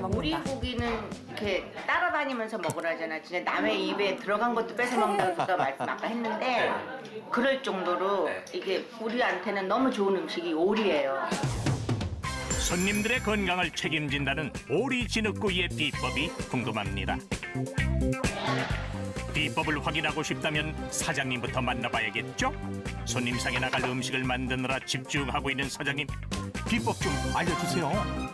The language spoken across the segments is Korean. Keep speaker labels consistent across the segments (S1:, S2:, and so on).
S1: 우리
S2: 먹는다.
S1: 고기는 이렇게 따라다니면서 먹으라잖아. 진짜 남의 입에 들어간 것도 뺏어 먹는다고 말씀 아까 했는데 그럴 정도로 이게 우리한테는 너무 좋은 음식이 오리예요.
S3: 손님들의 건강을 책임진다는 오리 진흙구이의 비법이 궁금합니다. 비법을 확인하고 싶다면 사장님부터 만나봐야겠죠? 손님상에 나갈 음식을 만드느라 집중하고 있는 사장님, 비법 좀 알려주세요.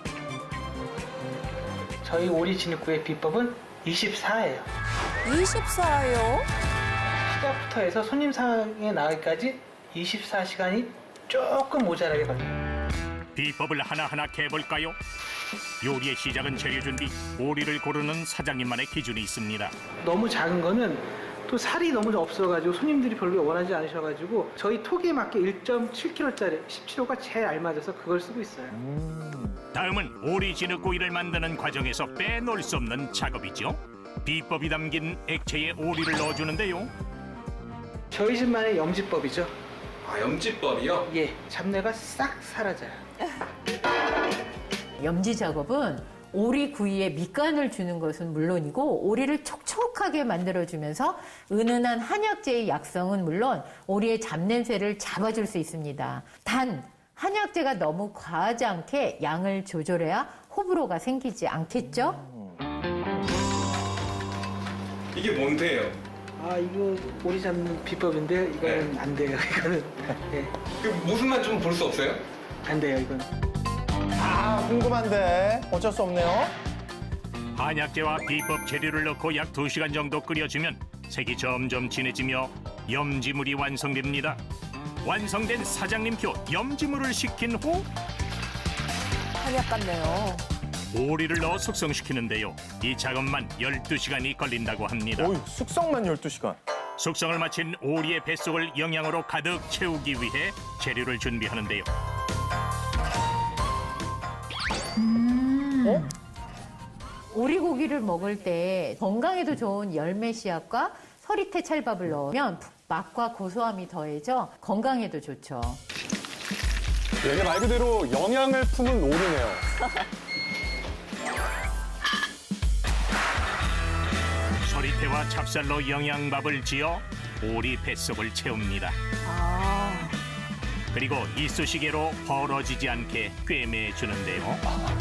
S4: 저희 오리 진흙구이의 비법은 24예요.
S2: 24요?
S4: 시작부터 해서 손님상에 나가기까지 24시간이 조금 모자라게 걸려요.
S3: 비법을 하나하나 캐볼까요? 요리의 시작은 재료 준비, 오리를 고르는 사장님만의 기준이 있습니다.
S4: 너무 작은 거는 또 살이 너무 없어가지고 손님들이 별로 원하지 않으셔가지고 저희 톡에 맞게 1.7kg짜리 17호가 제일 알맞아서 그걸 쓰고 있어요.
S3: 다음은 오리 진흙구이를 만드는 과정에서 빼놓을 수 없는 작업이죠. 비법이 담긴 액체에 오리를 넣어주는데요.
S4: 저희 집만의 염지법이죠.
S5: 아, 염지법이요?
S4: 예, 잡내가 싹 사라져요.
S6: 염지 작업은 오리 구이에 밑간을 주는 것은 물론이고 오리를 촉촉하게 만들어주면서 은은한 한약재의 약성은 물론 오리의 잡냄새를 잡아줄 수 있습니다. 단 한약재가 너무 과하지 않게 양을 조절해야 호불호가 생기지 않겠죠?
S5: 이게 뭔데요?
S4: 아, 이거 오리 잡는 비법인데 이거는 안 돼요. 이거는 예,
S5: 그 무슨 맛 좀 볼 수 없어요?
S4: 안 돼요. 이건.
S7: 아, 궁금한데 어쩔 수 없네요.
S3: 한약재와 비법 재료를 넣고 약 2시간 정도 끓여주면 색이 점점 진해지며 염지물이 완성됩니다. 완성된 사장님표 염지물을 식힌 후
S2: 한약 같네요.
S3: 오리를 넣어 숙성시키는데요. 이 작업만 12시간이 걸린다고 합니다.
S7: 오이, 숙성만 12시간.
S3: 숙성을 마친 오리의 뱃속을 영양으로 가득 채우기 위해 재료를 준비하는데요.
S6: 오리고기를 먹을 때 건강에도 좋은 열매 씨앗과 서리태 찰밥을 넣으면 맛과 고소함이 더해져 건강에도 좋죠.
S7: 이게 말 그대로 영양을 품은 오리네요.
S3: 서리태와 찹쌀로 영양밥을 지어 오리 뱃속을 채웁니다.
S2: 아,
S3: 그리고 이쑤시개로 벌어지지 않게 꿰매주는데요.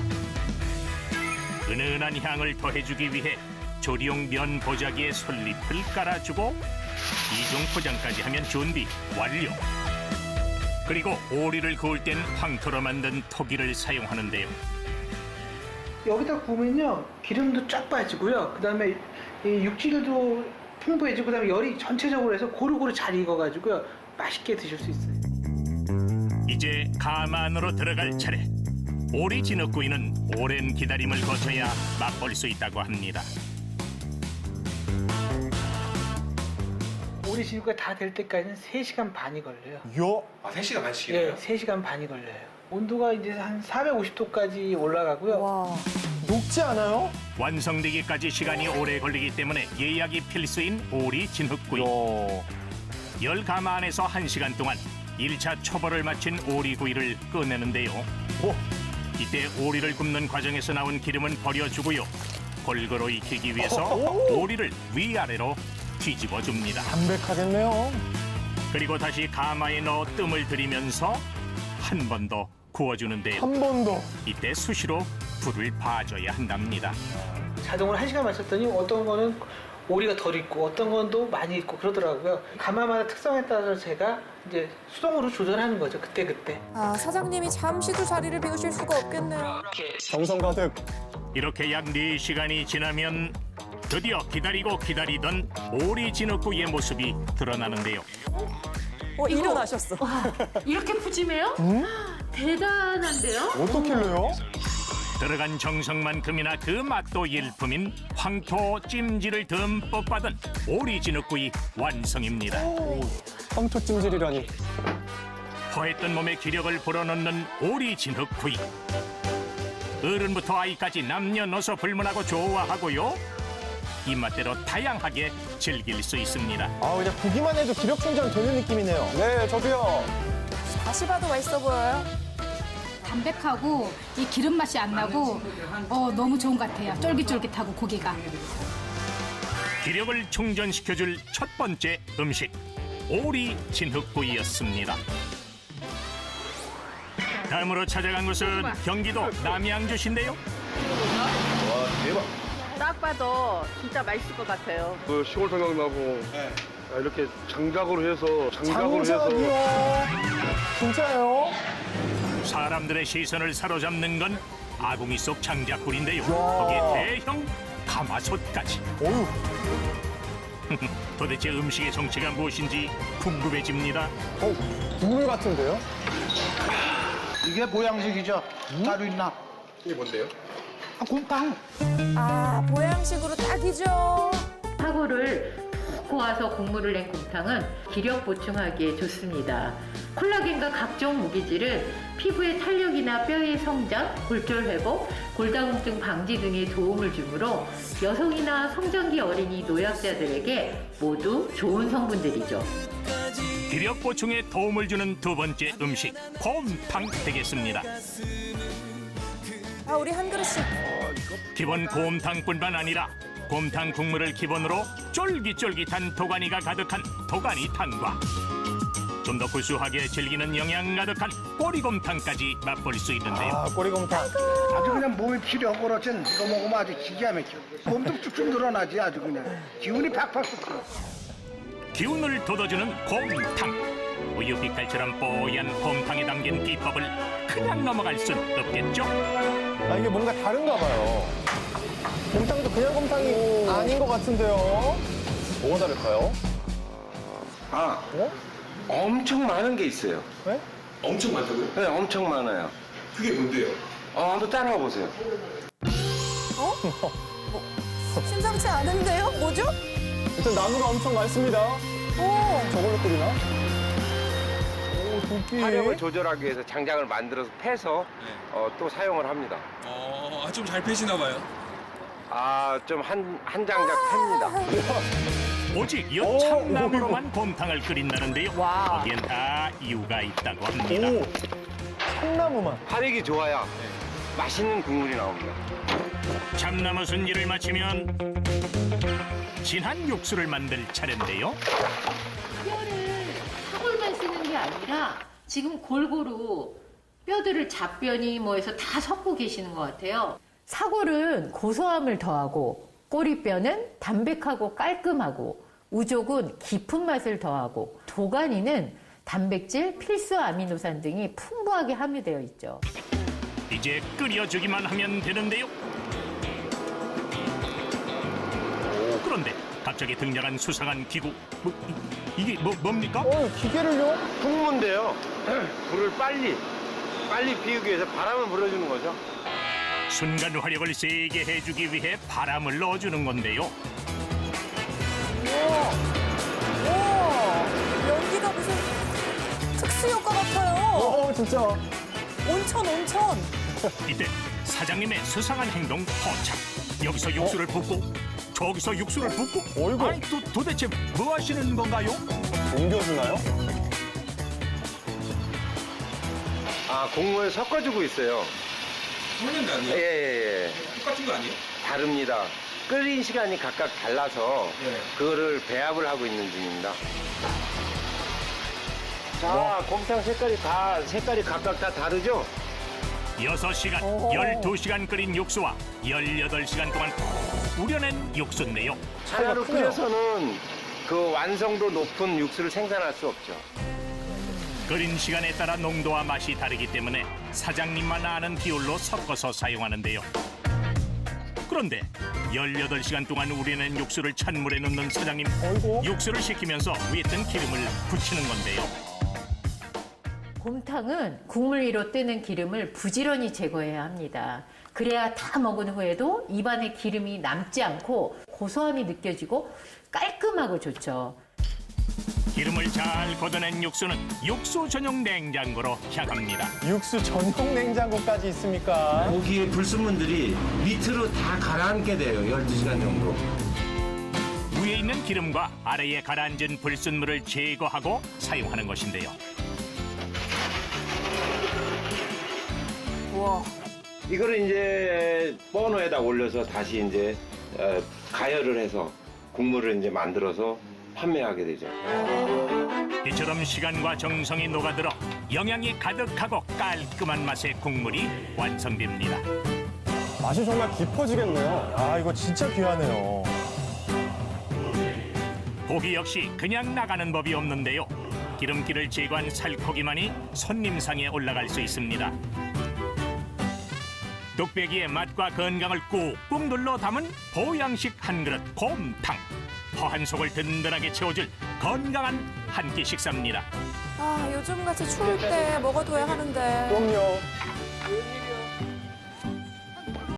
S3: 은은한 향을 더해주기 위해 조리용 면 보자기에 솔잎을 깔아주고 이중 포장까지 하면 준비 완료. 그리고 오리를 구울 땐 황토로 만든 토기를 사용하는데요.
S4: 여기다 구우면요 기름도 쫙 빠지고요. 그다음에 이 육질도 풍부해지고 그다음에 열이 전체적으로 해서 고루고루 잘 익어가지고요 맛있게 드실 수 있어요.
S3: 이제 가만으로 들어갈 차례. 오리 진흙구이는 오랜 기다림을 거쳐야 맛볼 수 있다고 합니다.
S4: 오리 진흙구이 다 될 때까지는 3시간 반이 걸려요.
S7: 요.
S5: 아, 3시간 반씩이나요?
S4: 예, 3시간 반이 걸려요. 온도가 이제 한 450도까지 올라가고요.
S2: 와.
S7: 녹지 않아요?
S3: 완성되기까지 시간이 오래 걸리기 때문에 예약이 필수인 오리 진흙구이.
S7: 요.
S3: 열 가마 안에서 1시간 동안 1차 초벌을 마친 오리구이를 꺼내는데요.
S7: 오.
S3: 이때 오리를 굽는 과정에서 나온 기름은 버려주고요. 골고루 익히기 위해서
S7: 오.
S3: 오리를 위아래로 뒤집어줍니다.
S7: 담백하겠네요.
S3: 그리고 다시 가마에 넣어 뜸을 들이면서 한 번 더 구워주는데요.
S7: 한 번 더.
S3: 이때 수시로 불을 봐줘야 한답니다.
S4: 자동으로 1시간 마쳤더니 어떤 거는 오리가 덜 익고 어떤 건 또 많이 익고 그러더라고요. 가마마다 특성에 따라서 제가 이제 수동으로 조절하는 거죠. 그때그때.
S2: 아, 사장님이 잠시도 자리를 비우실 수가 없겠네요.
S7: 정성 가득.
S3: 이렇게 약 4시간이 지나면 드디어 기다리고 기다리던 오리 진흙구이의 모습이 드러나는데요.
S2: 일어나셨어.
S6: 이렇게 푸짐해요? 대단한데요?
S7: 어떻게 해요?
S3: 들어간 정성만큼이나 그 맛도 일품인 황토 찜질을 듬뿍 받은 오리 진흙구이 완성입니다.
S7: 황토 찜질이라니.
S3: 허했던 몸에 기력을 불어넣는 오리 진흙구이. 어른부터 아이까지 남녀노소 불문하고 좋아하고요. 입맛대로 다양하게 즐길 수 있습니다.
S7: 아, 그냥 보기만 해도 기력 충전 되는 느낌이네요. 네, 저도요.
S2: 다시 봐도 맛있어 보여요.
S8: 담백하고 이 기름 맛이 안 나고 너무 좋은 것 같아요. 쫄깃쫄깃하고 고기가.
S3: 기력을 충전시켜줄 첫 번째 음식 오리 진흙구이였습니다. 다음으로 찾아간 곳은 경기도 남양주시인데요.
S1: 딱 봐도 진짜 맛있을 것 같아요.
S9: 그 시골 생각나고 이렇게 장작으로 해서
S7: 진짜요?
S3: 사람들의 시선을 사로잡는 건 아궁이 속 장작불인데요. 거기에 대형 가마솥까지.
S7: 어휴.
S3: 도대체 음식의 정체가 무엇인지 궁금해집니다.
S7: 국물 같은데요?
S10: 이게 보양식이죠. 따로 있나?
S5: 이게 뭔데요?
S10: 곰탕.
S2: 아, 보양식으로 딱이죠.
S6: 사고를 푹 고아서 국물을 낸 곰탕은 기력 보충하기에 좋습니다. 콜라겐과 각종 무기질은 피부의 탄력이나 뼈의 성장, 골절 회복, 골다공증 방지 등에 도움을 주므로 여성이나 성장기 어린이 노약자들에게 모두 좋은 성분들이죠.
S3: 기력 보충에 도움을 주는 두 번째 음식 곰탕 되겠습니다.
S2: 아, 우리 한 그릇씩.
S3: 기본 곰탕뿐만 아니라 곰탕 국물을 기본으로 쫄깃쫄깃한 도가니가 가득한 도가니탕과 좀 더 구수하게 즐기는 영양 가득한 꼬리곰탕까지 맛볼 수 있는데요.
S7: 아, 꼬리곰탕.
S10: 아주 그냥 몸이 필요하고 그렇지. 이거 먹으면 아주 기가 막혀. 몸도 쭉쭉 늘어나지 아주 그냥. 기운이 팍팍 솟고.
S3: 기운을 돋워주는 곰탕. 우유빛깔처럼 뽀얀 곰탕에 담긴 비법을 그냥 넘어갈 순 없겠죠?
S7: 아, 이게 뭔가 다른가 봐요. 곰탕도 그냥 곰탕이 아닌 것 같은데요? 뭐가 다를까요?
S11: 아,
S7: 어?
S11: 엄청 많은 게 있어요.
S7: 네?
S5: 엄청 많다고요?
S11: 네, 엄청 많아요.
S5: 그게 뭔데요?
S11: 한번 따라와 보세요.
S2: 심상치 않은데요? 뭐죠?
S7: 일단 나무가 엄청 많습니다.
S2: 오.
S7: 저걸로 끓이나? 오, 도끼.
S11: 화력을 조절하기 위해서 장작을 만들어서 패서 또 사용을 합니다.
S5: 좀 잘 패시나 봐요.
S11: 좀 한 장작 팹니다.
S3: 오직 여 참나무로만 곰탕을 끓인다는데요. 거기엔 다 이유가 있다고 합니다.
S7: 오, 참나무만.
S11: 화력이 좋아야 맛있는 국물이 나옵니다.
S3: 참나무 순지를 마치면 진한 육수를 만들 차례인데요.
S6: 뼈를 사골만 쓰는 게 아니라 지금 골고루 뼈들을 잡뼈니 뭐 해서 다 섞고 계시는 것 같아요. 사골은 고소함을 더하고 꼬리뼈는 담백하고 깔끔하고 우족은 깊은 맛을 더하고 도가니는 단백질, 필수 아미노산 등이 풍부하게 함유되어 있죠.
S3: 이제 끓여주기만 하면 되는데요. 그런데 갑자기 등장한 수상한 기구. 이게 뭡니까?
S7: 기계를요?
S11: 풍무인데요. 불을 빨리 피우기 위해서 바람을 불어주는 거죠.
S3: 순간 화력을 세게 해주기 위해 바람을 넣어주는 건데요.
S2: 우와. 연기가 무슨 특수효과 같아요.
S7: 진짜.
S2: 온천.
S3: 이때 사장님의 수상한 행동 포착. 여기서 육수를 붓고 저기서 육수를 붓고.
S7: 어이구.
S3: 아니 도대체 뭐 하시는 건가요?
S7: 옮겨주나요?
S11: 국물 섞어주고 있어요.
S5: 섞는 게 아니에요?
S11: 예.
S5: 똑같은 거 아니에요?
S11: 다릅니다. 끓인 시간이 각각 달라서 그거를 배합을 하고 있는 중입니다. 자, 곰탕 색깔이 각각 다 다르죠?
S3: 6시간, 12시간 끓인 육수와 18시간 동안 푹 우려낸 육수인데요.
S11: 하나로 끓여서는 그 완성도 높은 육수를 생산할 수 없죠.
S3: 끓인 시간에 따라 농도와 맛이 다르기 때문에 사장님만 아는 비율로 섞어서 사용하는데요. 그런데 18시간 동안 우려낸 육수를 찬물에 넣는 사장님. 육수를 식히면서 위에 뜬 기름을 붙이는 건데요.
S6: 곰탕은 국물 위로 뜨는 기름을 부지런히 제거해야 합니다. 그래야 다 먹은 후에도 입안에 기름이 남지 않고 고소함이 느껴지고 깔끔하고 좋죠.
S3: 기름을 잘 걷어낸 육수는 육수 전용 냉장고로 향합니다.
S7: 육수 전용 냉장고까지 있습니까?
S11: 고기의 불순물들이 밑으로 다 가라앉게 돼요. 12시간 정도.
S3: 위에 있는 기름과 아래에 가라앉은 불순물을 제거하고 사용하는 것인데요.
S2: 우와.
S11: 이거를 이제 버너에다 올려서 다시 이제 가열을 해서 국물을 이제 만들어서 판매하게 되죠.
S3: 이처럼 시간과 정성이 녹아들어 영양이 가득하고 깔끔한 맛의 국물이 완성됩니다.
S7: 맛이 정말 깊어지겠네요. 아, 이거 진짜 귀하네요.
S3: 고기 역시 그냥 나가는 법이 없는데요. 기름기를 제거한 살코기만이 손님상에 올라갈 수 있습니다. 뚝배기의 맛과 건강을 꾹꾹 눌러 담은 보양식 한 그릇 곰탕. 허한 속을 든든하게 채워줄 건강한 한 끼 식사입니다.
S2: 아, 요즘같이 추울 때 먹어둬야 하는데.
S7: 그럼요.